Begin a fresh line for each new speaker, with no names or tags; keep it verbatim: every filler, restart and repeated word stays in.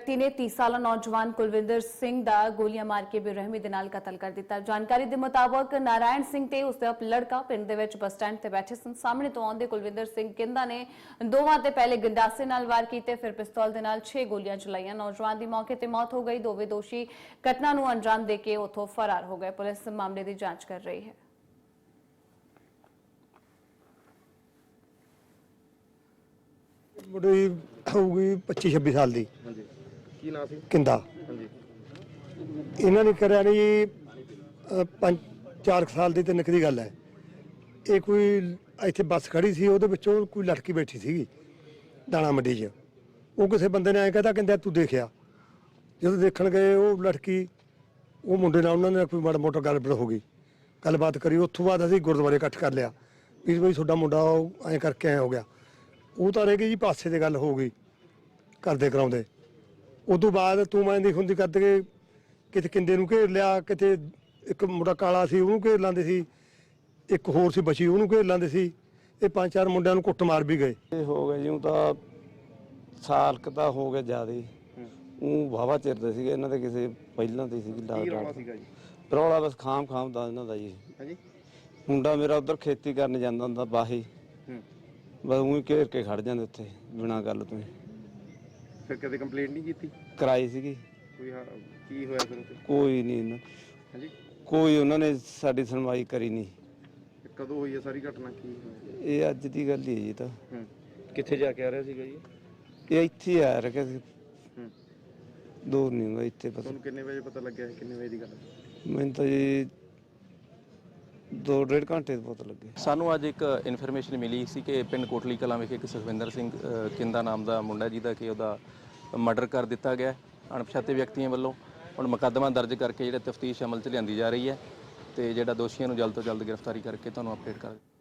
ਵਿਅਕਤੀ ਨੇ तीस ਸਾਲਾ ਨੌਜਵਾਨ ਕੁਲਵਿੰਦਰ ਸਿੰਘ ਦਾ ਗੋਲੀਆਂ ਮਾਰ ਕੇ ਬੇਰਹਿਮੀ ਦੇ ਨਾਲ ਕਤਲ ਕਰ ਦਿੱਤਾ। ਜਾਣਕਾਰੀ ਦੇ ਮੁਤਾਬਕ ਨਾਰਾਇਣ ਸਿੰਘ ਤੇ ਉਸ ਦਾ ਲੜਕਾ ਪਿੰਡ ਦੇ ਵਿੱਚ ਬੱਸ ਸਟੈਂਡ ਤੇ ਬੈਠੇ ਸਨ। ਸਾਹਮਣੇ ਤੋਂ ਆਉਂਦੇ ਕੁਲਵਿੰਦਰ ਸਿੰਘ ਕਿੰਦਾ ਨੇ ਦੋਵਾਂ ਤੇ ਪਹਿਲੇ ਗੰਡਾਸੇ ਨਾਲ ਵਾਰ ਕੀਤੇ, ਫਿਰ ਪਿਸਤੌਲ ਦੇ ਨਾਲ छह ਗੋਲੀਆਂ ਚਲਾਈਆਂ। ਨੌਜਵਾਨ ਦੀ ਮੌਕੇ ਤੇ ਮੌਤ ਹੋ ਗਈ। ਦੋਵੇਂ ਦੋਸ਼ੀ ਘਟਨਾ ਨੂੰ ਅੰਜਾਮ ਦੇ ਕੇ ਉੱਥੋਂ ਫਰਾਰ ਹੋ ਗਏ। ਪੁਲਿਸ ਮਾਮਲੇ ਦੀ ਜਾਂਚ ਕਰ ਰਹੀ ਹੈ।
ਮੁੰਡੇ ਹੋਊਗੀ पच्चीस छब्बीस साल ਦੀ।
ਹਾਂਜੀ ਕੀ ਨਾਂ ਸੀ?
ਕਿੰਦਾ।
ਹਾਂਜੀ
ਇਹਨਾਂ ਨੇ ਕਰਿਆ ਨਹੀਂ ਪੰਜ ਚਾਰ ਸਾਲ ਦੀ ਤਿੰਨ ਦੀ ਗੱਲ ਹੈ। ਇਹ ਕੋਈ ਇੱਥੇ ਬੱਸ ਖੜੀ ਸੀ, ਉਹਦੇ ਵਿੱਚੋਂ ਕੋਈ ਲੜਕੀ ਬੈਠੀ ਸੀਗੀ ਦਾਣਾ ਮੰਡੀ 'ਚ। ਉਹ ਕਿਸੇ ਬੰਦੇ ਨੇ ਐਂ ਕਹਿੰਦਾ ਕਹਿੰਦਾ ਤੂੰ ਦੇਖਿਆ। ਜਦੋਂ ਦੇਖਣ ਗਏ ਉਹ ਲੜਕੀ ਉਹ ਮੁੰਡੇ ਨਾਲ ਉਹਨਾਂ ਨੇ ਕੋਈ ਮਾੜਾ ਮੋਟਾ ਗੱਲਬਾਤ ਹੋ ਗਈ, ਗੱਲਬਾਤ ਕਰੀ। ਉੱਥੋਂ ਬਾਅਦ ਅਸੀਂ ਗੁਰਦੁਆਰੇ ਇਕੱਠ ਕਰ ਲਿਆ ਵੀ ਬਈ ਤੁਹਾਡਾ ਮੁੰਡਾ ਐਂ ਕਰਕੇ ਐਂ ਹੋ ਗਿਆ। ਉਹ ਤਾਂ ਰਹਿ ਗਈ ਜੀ, ਪਾਸੇ ਦੀ ਗੱਲ ਹੋ ਗਈ ਕਰਦੇ ਕਰਾਉਂਦੇ। ਉਦੋਂ ਬਾਅਦ ਤੂੰ ਮੈਂ ਦੀ ਹੁੰਦੀ ਕਰਦੇ ਕਿਤੇ ਕਿੰਦੇ ਨੂੰ ਘੇਰ ਲਿਆ, ਕਿਤੇ ਇੱਕ ਮੁੰਡਾ ਕਾਲਾ ਸੀ ਉਹਨੂੰ ਘੇਰ ਲਾਂਦੇ ਸੀ, ਇੱਕ ਹੋਰ ਸੀ ਬਚੀ ਉਹਨੂੰ ਘੇਰ ਲਾਂਦੇ ਸੀ। ਇਹ ਪੰਜ ਚਾਰ ਮੁੰਡਿਆਂ ਨੂੰ ਕੁੱਟ ਮਾਰ ਵੀ ਗਏ।
ਇਹ ਹੋ ਗਿਆ ਜਿਉਂ ਤਾਂ ਸਾਲ ਕੁ ਤਾਂ ਹੋ ਗਿਆ ਜ਼ਿਆਦਾ। ਉਹ ਵਾਹਵਾ ਚਿਰਦੇ ਸੀਗੇ ਇਹਨਾਂ ਦੇ ਕਿਸੇ ਪਹਿਲਾਂ ਤੇ ਸੀਗੀ
ਕੀ ਰੌਲਾ ਸੀਗਾ ਜੀ?
ਰੌਲਾ ਬਸ ਖਾਮ ਖਾਮ ਦਾ ਇਹਨਾਂ ਦਾ ਜੀ।
ਹਾਂਜੀ
ਮੁੰਡਾ ਮੇਰਾ ਉਧਰ ਖੇਤੀ ਕਰਨ ਜਾਂਦਾ ਹੁੰਦਾ ਬਾਹੀ,
ਹੂੰ
ਬਸ ਉਹੀ ਘੇਰ ਕੇ ਖੜ ਜਾਂਦੇ ਉੱਥੇ ਬਿਨਾਂ ਗੱਲ ਤੋਂ।
ਫਿਰ ਕਦੇ ਕੰਪਲੇਂਟ ਨਹੀਂ ਕੀਤੀ?
ਕਰਾਈ ਸੀਗੀ,
ਕੋਈ ਹਾਂ, ਕੀ ਹੋਇਆ ਫਿਰ ਉੱਥੇ?
ਕੋਈ ਨਹੀਂ ਇਹਨਾਂ
ਹਾਂਜੀ
ਕੋਈ ਉਹਨਾਂ ਨੇ ਸਾਡੀ ਸੁਣਵਾਈ ਕਰੀ ਨਹੀਂ।
ਤੇ ਕਦੋਂ ਹੋਈ ਹੈ ਸਾਰੀ ਘਟਨਾ? ਕੀ ਹੋਇਆ?
ਇਹ ਅੱਜ ਦੀ ਗੱਲ ਹੀ ਹੈ ਜੀ। ਤਾਂ
ਹੂੰ ਕਿੱਥੇ ਜਾ ਕੇ ਆ ਰਿਹਾ ਸੀਗਾ ਜੀ?
ਇਹ ਇੱਥੇ ਹੀ ਆ ਰਿਹਾ ਸੀ,
ਹੂੰ
ਦੂਰ ਨਹੀਂ ਹੁੰਦਾ ਇੱਥੇ। ਪਤਾ
ਤੁਹਾਨੂੰ ਕਿੰਨੇ ਵਜੇ ਪਤਾ ਲੱਗਿਆ? ਕਿੰਨੇ ਵਜੇ ਦੀ ਗੱਲ ਹੈ?
ਮੈਨੂੰ ਤਾਂ ਜੀ ਦੋ ਡੇਢ ਘੰਟੇ ਤੋਂ ਪਤਾ ਲੱਗੇ।
ਸਾਨੂੰ ਅੱਜ ਇੱਕ ਇਨਫੋਰਮੇਸ਼ਨ ਮਿਲੀ ਸੀ ਕਿ ਪਿੰਡ ਕੋਟਲੀ ਕਲਾਂ ਵਿਖੇ ਇੱਕ ਸੁਖਵਿੰਦਰ ਸਿੰਘ ਅ, ਕਿੰਦਾ ਨਾਮ ਦਾ ਮੁੰਡਾ ਜਿਹਦਾ ਕਿ ਉਹਦਾ ਮਰਡਰ ਕਰ ਦਿੱਤਾ ਗਿਆ ਅਣਪਛਾਤੇ ਵਿਅਕਤੀਆਂ ਵੱਲੋਂ। ਹੁਣ ਮੁਕੱਦਮਾ ਦਰਜ ਕਰਕੇ ਜਿਹੜਾ ਤਫਤੀਸ਼ ਅਮਲ 'ਚ ਲਿਆਂਦੀ ਜਾ ਰਹੀ ਹੈ ਤੇ ਜਿਹੜਾ ਦੋਸ਼ੀਆਂ ਨੂੰ ਜਲਦ ਤੋਂ ਜਲਦ ਗ੍ਰਿਫਤਾਰੀ ਕਰਕੇ ਤੁਹਾਨੂੰ ਅਪਡੇਟ ਕਰ